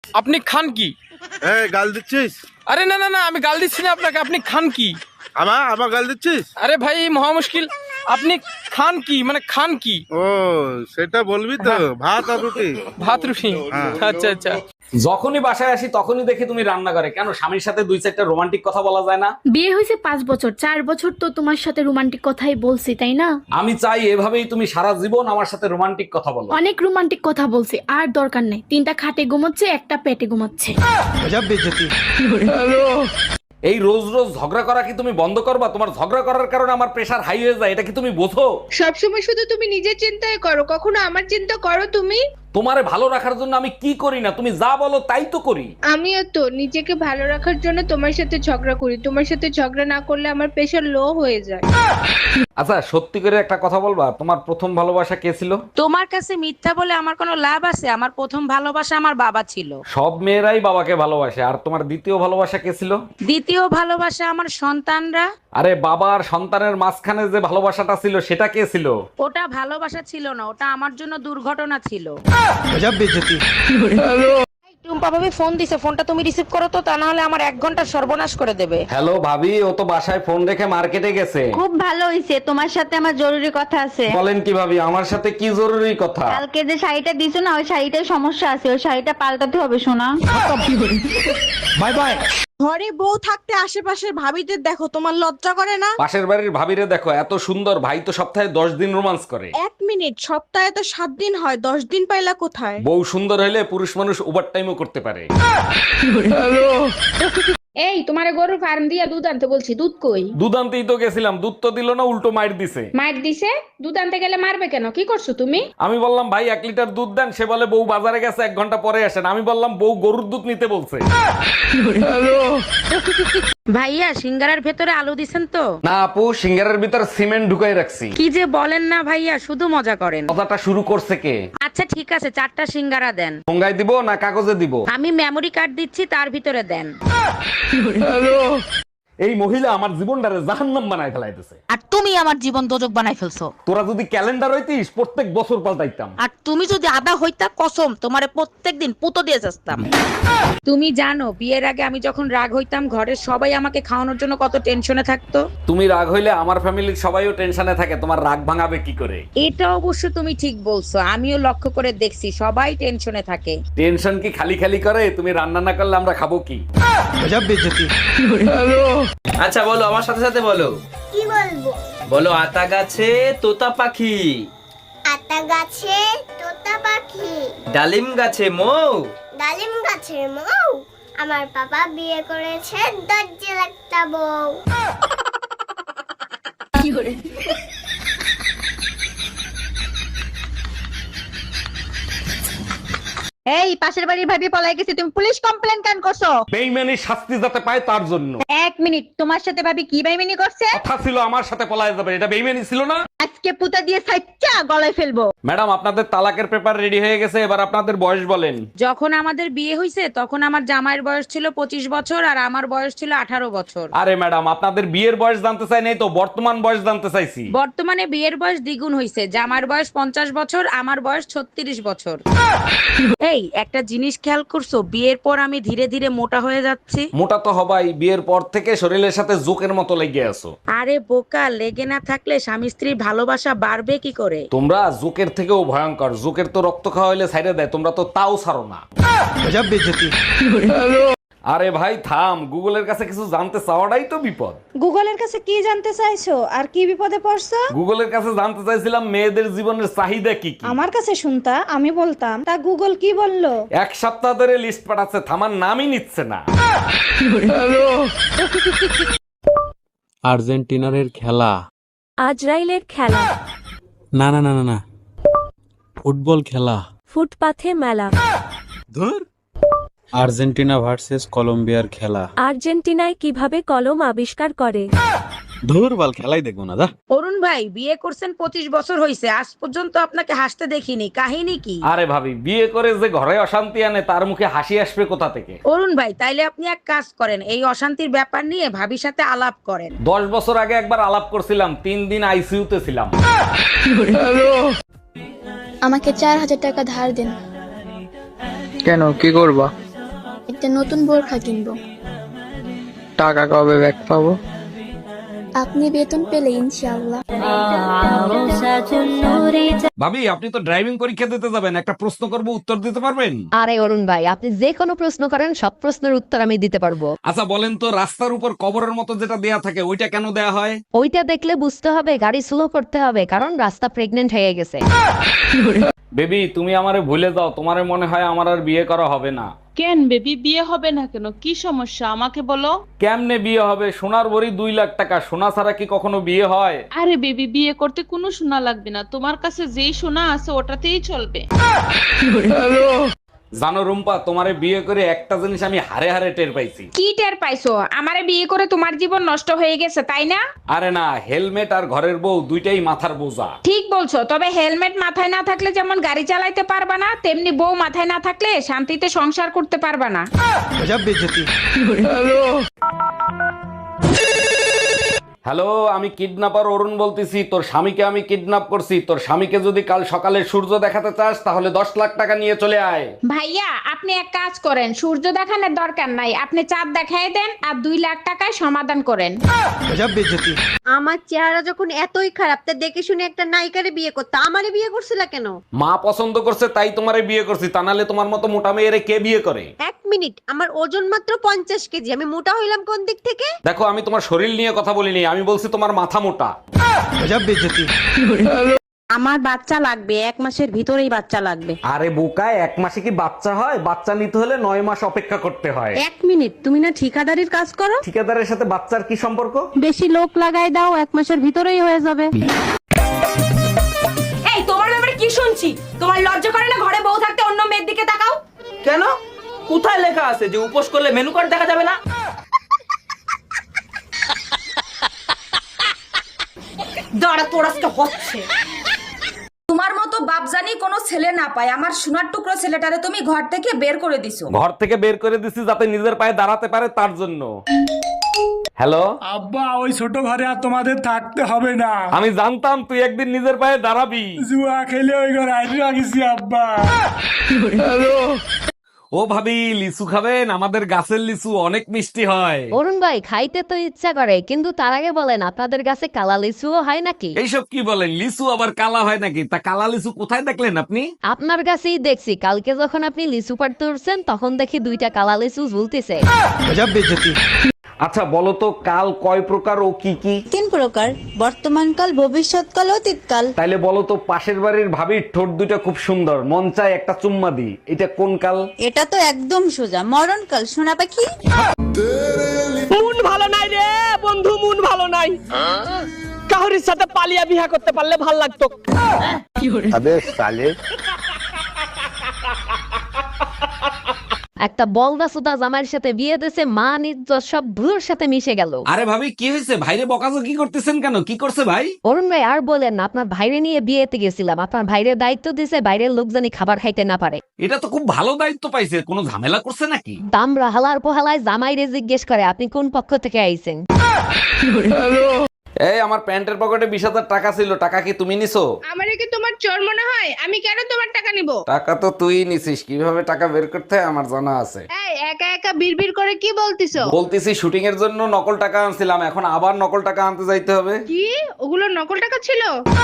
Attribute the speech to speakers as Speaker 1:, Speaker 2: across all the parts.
Speaker 1: আপনি খান কি?
Speaker 2: এই গাল দিচ্ছিস?
Speaker 1: আরে না না না, আমি গাল দিচ্ছি না আপনাকে। আপনি খান কি?
Speaker 2: আমার গাল দিচ্ছিস?
Speaker 1: আরে ভাই মহা মুশকিল। আপনি খান কি মানে খান কি?
Speaker 2: ও সেটা বলবি তো, ভাত আর রুটি।
Speaker 1: ভাত রুটি? আচ্ছা আচ্ছা।
Speaker 3: যখনই বাসায় আসি তখনই দেখি তুমি রান্না করে। কেন, স্বামীর সাথে দুই চারটা রোমান্টিক কথা বলা যায় না?
Speaker 4: বিয়ে হয়েছে 5 বছর, 4 বছর তো তোমার সাথে রোমান্টিক কথাই বলছি, তাই না?
Speaker 3: আমি চাই এভাবেই তুমি সারা জীবন আমার সাথে রোমান্টিক কথা বলো।
Speaker 4: অনেক রোমান্টিক কথা বলছি, আর দরকার নেই। 3টা খাটে ঘুমাচ্ছে, একটা পেটে ঘুমাচ্ছে।
Speaker 3: এই রোজ রোজ ঝগড়া করা কি তুমি বন্ধ করবা? তোমার ঝগড়া করার কারণে আমার প্রেশার হাই হয়ে যায়, এটা কি তুমি বোঝো?
Speaker 5: সবসময় শুধু তুমি নিজের চিন্তাই করো, কখনো আমার চিন্তা করো তুমি?
Speaker 3: তোমারে ভালো রাখার জন্য আমি কি করি না, তুমি যা বলো তাই তো করি।
Speaker 5: আমিও তো নিজেকে ভালো রাখার জন্য তোমার সাথে ঝগড়া করি। তোমার সাথে ঝগড়া না করলে আমার প্রেশার লো হয়ে যায়।
Speaker 3: আচ্ছা সত্যি করে একটা কথা বলবা, তোমার প্রথম ভালোবাসা কে ছিল?
Speaker 6: তোমার কাছে মিথ্যা বলে আমার কোনো লাভ আছে? আমার প্রথম ভালোবাসা আমার বাবা ছিল।
Speaker 3: সব মেয়েরাই বাবাকে ভালোবাসে। আর তোমার দ্বিতীয় ভালোবাসা কে ছিল?
Speaker 6: দ্বিতীয় ভালোবাসা আমার সন্তানরা।
Speaker 3: আরে বাবা আর সন্তানের মাঝখানে যে ভালোবাসাটা ছিল সেটা কে ছিল?
Speaker 6: ওটা ভালোবাসা ছিল না, ওটা আমার জন্য দুর্ঘটনা ছিল। টুম্পা ভাবি ফোন দিছে, ফোনটা তুমি রিসিভ করো তো, তা না হলে আমার 1 ঘন্টা সর্বনাশ করে দেবে।
Speaker 3: হ্যালো ভাবি, ও তো বাসায় ফোন রেখে মার্কেটে গেছে।
Speaker 7: খুব ভালো হইছে, তোমার সাথে আমার জরুরি কথা আছে।
Speaker 3: বলেন কি ভাবি, আমার সাথে কি জরুরি কথা?
Speaker 7: কালকে যে শাড়িটা দিছো না, ওই শাড়িটার সমস্যা আছে, ওই শাড়িটা পাল্টাতে হবে সোনা।
Speaker 3: Bye bye.
Speaker 8: ঘরে বউ থাকতে আশেপাশের ভাবিদের দেখো, তোমার লজ্জা করে না?
Speaker 3: পাশের বাড়ির ভাবিরে দেখো, এত সুন্দর, ভাই তো সপ্তাহে 10 দিন রোমান্স করে।
Speaker 8: 1 মিনিট, সপ্তাহে তো 7 দিন হয়, 10 দিন পাইলা কোথায়?
Speaker 3: বউ সুন্দর হলে পুরুষ মানুষ ওভার টাইমও করতে পারে।
Speaker 5: এই তোমারে গরুর ফার্ম দিয়া দুধ আনতে বলছি, দুধ কই?
Speaker 3: দুধ আনতেই তো গেছিলাম, দুধ তো দিল না, উল্টো মাইর দিছে।
Speaker 5: মার দিছে? দুধ আনতে গেলে মারবে কেন? কি করছো তুমি?
Speaker 3: আমি বললাম ভাই 1 লিটার দুধ দেন, সে বলে বউ বাজারে গেছে 1 ঘন্টা পরে আসেন। আমি বললাম বউ গরুর দুধ নিতে বলছে।
Speaker 6: ভাইয়া সিঙ্গারার ভেতরে আলু দিছেন তো?
Speaker 3: না আপু, সিঙ্গারের ভিতর সিমেন্ট ঢুকাই রাখছি।
Speaker 6: কি যে বলেন না ভাইয়া, শুধু মজা করেন।
Speaker 3: কথাটা শুরু করছে কে?
Speaker 6: আচ্ছা ঠিক আছে, 4টা সিঙ্গারা দেন।
Speaker 3: ঠোঙ্গায় দিব না কাগজে দিব?
Speaker 6: আমি মেমোরি কার্ড দিচ্ছি, তার ভিতরে দেন।
Speaker 3: এই মহিলা আমার জীবনটারে জাহান্নাম বানায় ফেলাইতেছে।
Speaker 6: আর তুমি আমার জীবন দোজক বানাই ফেলছো।
Speaker 3: তোরা যদি ক্যালেন্ডার হইতিস প্রত্যেক বছর পাল্টাইতাম।
Speaker 6: আর তুমি যদি আদা হইতা, কসম তোমারে প্রত্যেকদিন পুতো দিয়ে যাস্তাম। তুমি জানো বিয়ের আগে আমি যখন রাগ হইতাম, ঘরের সবাই আমাকে খাওয়ানোর জন্য কত টেনশনে থাকতো।
Speaker 3: তুমি রাগ হইলে আমার ফ্যামিলির সবাইও টেনশনে থাকে, তোমার রাগ ভাঙাবে কি করে?
Speaker 6: এটা অবশ্য তুমি ঠিক বলছো, আমিও লক্ষ্য করে দেখছি সবাই টেনশনে থাকে।
Speaker 3: টেনশন কি খালি খালি করে? তুমি রান্না না করলে আমরা খাবো কি?
Speaker 9: আচ্ছা বলো, আমার সাথে সাথে বলো।
Speaker 10: কি বলবো?
Speaker 9: বলো আতা গাছে তোতা পাখি,
Speaker 10: আতা গাছে তোতা পাখি,
Speaker 9: ডালিম গাছে মৌ,
Speaker 10: ডালিম গাছের মৌ। আমার বাবা বিয়ে করেছে দরজে একটা বউ।
Speaker 7: এই পাশের বাড়ির ভাবি পলাই গেছে, তুমি পুলিশ কমপ্লেন কেন করছো?
Speaker 3: বেইমানি শাস্তি যাতে পায় তার জন্য।
Speaker 7: 1 মিনিট, তোমার সাথে ভাবি কি বেইমানি করছে?
Speaker 3: কথা ছিল আমার সাথে পলায় যাবে, এটা বেইমানি ছিল না?
Speaker 7: আজকে পুতা দিয়ে সাইচ্চা গলায় ফেলবো।
Speaker 3: ম্যাডাম আপনাদের তালাকের পেপার রেডি হয়ে গেছে, এবার আপনাদের বয়স বলেন।
Speaker 6: যখন আমাদের বিয়ে হয়েছে তখন আমার জামাইয়ের বয়স ছিল 25 বছর আর আমার বয়স ছিল 18 বছর।
Speaker 3: আরে ম্যাডাম আপনাদের বিয়ের বয়স জানতে চাই নাই তো, বর্তমান বয়স জানতে চাইছি।
Speaker 6: বর্তমানে বিয়ের বয়স দ্বিগুণ হয়েছে, জামার বয়স 50 বছর, আমার বয়স 36 বছর। এই একটা জিনিস খেয়াল করছো, বিয়ের পর আমি ধীরে ধীরে মোটা হয়ে যাচ্ছি।
Speaker 3: মোটা তো হবাই, বিয়ের পর থেকে শরীরের সাথে জোকের মতো লেগে আছো।
Speaker 6: আরে বোকা, লেগে না থাকলে স্বামী স্ত্রীর ভালোবাসা বাড়বে কি করে?
Speaker 3: তোমরা জোকের থেকেও ভয়ঙ্কর, জোকের তো রক্ত খাওয়া হইলে ছাইড়ে দেয়, তোমরা তো তাও ছাড়ো না। আরে ভাই থাম, গুগলের কাছে কিছু জানতে চাওয়াটাই তো বিপদ।
Speaker 8: গুগলের কাছে কি জানতে চাইছো আর কি বিপদে পড়ছো?
Speaker 3: গুগলের কাছে জানতে চাইছিলাম মেয়েদের জীবনের চাহিদা কি কি।
Speaker 8: আমার কাছে শুনতা, আমি বলতাম, তা গুগল কি বললো?
Speaker 3: 1 সপ্তাহ ধরে লিস্ট পাঠাচ্ছে, থামার নামই নিচ্ছে না।
Speaker 11: আর্জেন্টিনার খেলা,
Speaker 4: আজরাইলের খেলা,
Speaker 11: না না না না না, ফুটবল খেলা,
Speaker 4: ফুটপাথে মেলা,
Speaker 11: ধুর। আর্জেন্টিনা ভার্সেস কলম্বিয়ার খেলা,
Speaker 4: আর্জেন্টিনায় কিভাবে কলম আবিষ্কার করে?
Speaker 11: ধুর বল, খেলাই দেখবো না।
Speaker 6: অরুণ ভাই বিয়ে করছেন 25 বছর হয়েছে, আজ পর্যন্ত আপনাকে হাসতে দেখিনি, কাহিনী কি?
Speaker 3: আরে ভাবি, বিয়ে করে যে ঘরে অশান্তি আনে তার মুখে হাসি আসবে কোথা থেকে?
Speaker 6: অরুণ ভাই তাইলে আপনি এক কাজ করেন, এই অশান্তির ব্যাপার নিয়ে ভাবির সাথে আলাপ করেন।
Speaker 3: 10 বছর আগে একবার আলাপ করছিলাম, 3 দিন আইসিইউতে ছিলাম।
Speaker 4: আমাকে 4000 টাকা ধার দেন।
Speaker 1: কেন, কি করবা?
Speaker 4: একটা নতুন বোরখা কিনবো।
Speaker 1: টাকা কবে ব্যাক পাবো?
Speaker 4: আপনি বেতন পেলে ইনশাআল্লাহ।
Speaker 3: ভাবি আপনি তো ড্রাইভিং পরীক্ষা দিতে যাবেন, একটা প্রশ্ন করব উত্তর দিতে পারবেন?
Speaker 7: আরে অরুণ ভাই, আপনি যে কোনো প্রশ্ন করেন, সব প্রশ্নের উত্তর আমি দিতে পারবো।
Speaker 3: আচ্ছা বলেন তো, রাস্তার উপর কবরের মতো যেটা দেয়া থাকে ওইটা কেন দেয়া হয়?
Speaker 7: ওইটা দেখলে বুঝতে হবে গাড়ি স্লো করতে হবে, কারণ রাস্তা প্রেগনেন্ট হয়ে গেছে।
Speaker 3: বেবি তুমি আমারে ভুলে যাও, তোমারে মনে হয় আমার আর বিয়ে করা হবে না।
Speaker 8: কেন বেবি, বিয়ে হবে না কেন? কি সমস্যা আমাকে বলো।
Speaker 3: কেমনে বিয়ে হবে? সোনার ভরি 2 লাখ টাকা, সোনা ছাড়া কি কখনো বিয়ে হয়?
Speaker 8: আরে বেবি, বিয়ে করতে কোনো সোনা লাগবে না, তোমার কাছে যেই সোনা আছে ওটাতেই চলবে।
Speaker 3: জানো রুম্পা, তোমারে বিয়ে করে একটা জিনিস আমি হারে হারে টের পাইছি।
Speaker 6: কি টের পাইছো? আমারে বিয়ে করে তোমার জীবন নষ্ট হয়ে গেছে তাই না?
Speaker 3: আরে না, হেলমেট আর ঘরের বউ দুইটাই মাথার বোঝা।
Speaker 6: ঠিক বলছো, তবে হেলমেট মাথায় না থাকলে যেমন গাড়ি চালাইতে পারবা না, তেমনি বউ মাথায় না থাকলে শান্তিতে সংসার করতে পারবা না।
Speaker 3: হ্যালো, আমি কিডন্যাপার অরুণ বলতেছি। তোর স্বামীকে আমি কিডন্যাপ করছি। তোর স্বামীকে যদি কাল সকালে সূর্য দেখাতে চাস তাহলে 10 লাখ টাকা নিয়ে চলে আয়।
Speaker 6: ভাইয়া আপনি এক কাজ করেন, সূর্য দেখানোর দরকার নাই, আপনি চাঁদ দেখাই দেন আর 2 লাখ টাকায় সমাধান করেন।
Speaker 7: আমার চেহারা যখন এতই খারাপ, তা দেখে শুনে একটা নায়িকারে বিয়ে করতে আমারে বিয়ে করছিল কেন?
Speaker 3: মা পছন্দ করছে তাই তোমারে বিয়ে করছি, তা নাহলে তোমার মতো মোটা মেয়েরে কে বিয়ে করে?
Speaker 7: এক মিনিট, আমার ওজন মাত্র 50 কেজি, আমি মোটা হইলাম কোন দিক থেকে?
Speaker 3: দেখো, আমি তোমার শরীর নিয়ে কথা বলিনি, আমি বলছি তোমার মাথা মোটা।
Speaker 6: আমার বাচ্চা লাগবে, 1 মাসের ভিতরেই বাচ্চা লাগবে।
Speaker 3: আরে বোকা, 1 মাসে কি বাচ্চা হয়? বাচ্চা নিতে হলে 9 মাস অপেক্ষা করতে হয়।
Speaker 6: 1 মিনিট, তুমি না ঠিকাদারির কাজ করো?
Speaker 3: ঠিকাদারের সাথে বাচ্চার কি সম্পর্ক?
Speaker 6: বেশি লোক লাগাই দাও, 1 মাসের ভিতরেই হয়ে যাবে।
Speaker 8: এই তোমার ব্যাপারে কি শুনছি? তোমার লজ্জা করে না ঘরে বউ থাকতে অন্য মেয়ের দিকে তাকাও?
Speaker 9: কেন? কোথায় লেখা আছে যে উপোস করলে মেনু কার্ড দেখা যাবে না?
Speaker 8: দাঁড়া, তোর আজকে হচ্ছে। তোমার মতো বাপজানি কোনো ছেলে না পায়, আমার সোনার টুকরো ছেলেটারে তুমি ঘর থেকে বের করে দিছো।
Speaker 3: ঘর থেকে বের করে দিছি যাতে নিজের পায়ে দাঁড়াতে পারে, তার জন্য। হ্যালো
Speaker 11: আব্বা, ওই ছোট ঘরে আর তোমাদের থাকতে হবে না।
Speaker 3: আমি জানতাম তুই একদিন নিজের পায়ে দাঁড়াবি।
Speaker 11: জুয়া খেলে ওই ঘরে আইডিয়া গেছি আব্বা।
Speaker 3: ও ভাবি, লিচু খাবেন? আমাদের গাছের লিচু অনেক মিষ্টি হয়।
Speaker 7: অরুণ ভাই, খাইতে তো ইচ্ছা করে, কিন্তু তার আগে বলেন আপনাদের কাছে কালা লিচুও হয় নাকি?
Speaker 3: এইসব কি বলেন? লিচু আবার কালা হয় নাকি? তা কালা লিচু কোথায় দেখলেন আপনি?
Speaker 7: আপনার কাছেই দেখছি, কালকে যখন আপনি লিচু পাড়তে উঠছেন তখন দেখি 2টা কালা লিচু ঝুলতেছে।
Speaker 3: আচ্ছা বলো তো, কাল কয় প্রকার ও কি কি?
Speaker 8: 3 প্রকার, বর্তমানকাল, ভবিষ্যৎকাল, অতীতকাল।
Speaker 3: তাইলে বলো তো, পাশের বাড়ির ভাবির ঠোঁট দুইটা খুব সুন্দর, মন চায় একটা চুম্মা দি, এটা কোন কাল?
Speaker 8: এটা তো একদম সোজা, মরণকাল, সোনা পাখি।
Speaker 1: মন ভালো নাই রে বন্ধু, মন ভালো নাই। কাহরির সাথে পালিয়া বিয়া করতে পারলে ভাল লাগতো।
Speaker 7: একটা বলদা সুদা জামাইয়ের সাথে বিয়ে দিয়েছে, মা ইজ্জত সব ভুলোর সাথে মিশে গেল।
Speaker 3: আরে ভাবি, কি হয়েছে? ভাইরে বকাঝকি করতেছেন কেন? কি করছে ভাই?
Speaker 7: অরুণ ভাই আর বলেন না, আপনার ভাইরে নিয়ে বিয়েতে গেছিলাম, আপনার ভাইরে দায়িত্ব দিয়েছে বাইরের লোক জানি খাবার খাইতে না পারে।
Speaker 3: এটা তো খুব ভালো দায়িত্ব পাইছে, কোনো ঝামেলা করছে নাকি?
Speaker 7: দামরা হালার পোহালায় জামাইরে জিজ্ঞেস করে আপনি কোন পক্ষ থেকে আইছেন।
Speaker 3: এই আমার প্যান্টের পকেটে 20,000 টাকা ছিল, টাকা কি তুমি নিছো?
Speaker 5: আমারে কি তোমার চোর মনে হয়? আমি কেন তোমার টাকা নিব?
Speaker 3: টাকা তো তুই নিছিস, কিভাবে টাকা বের করতে হয় আমার জানা আছে।
Speaker 5: এই একা একা বিড়বিড় করে কি বলতিছো?
Speaker 3: বলতেছি শুটিং এর জন্য নকল টাকা আনছিলাম, এখন আবার নকল টাকা আনতে যাইতে হবে।
Speaker 5: কি ওগুলো নকল টাকা ছিল?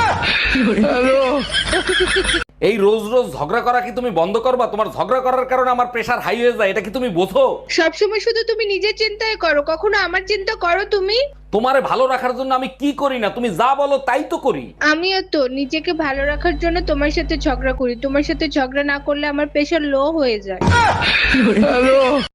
Speaker 3: এই রোজ রোজ ঝগড়া করা কি তুমি বন্ধ করবা? তোমার ঝগড়া করার কারণে আমার প্রেশার হাই হয়ে যায়, এটা কি তুমি বোঝো?
Speaker 5: সবসময় শুধু তুমি নিজের চিন্তাই করো, কখনো আমার চিন্তা করো তুমি?
Speaker 3: তোমারে ভালো রাখার জন্য আমি কি করি না? তুমি যা বলো তাই তো করি।
Speaker 5: আমিও তো নিজেকে ভালো রাখার জন্য তোমার সাথে ঝগড়া করি, তোমার সাথে ঝগড়া না করলে আমার প্রেশার লো হয়ে যায়।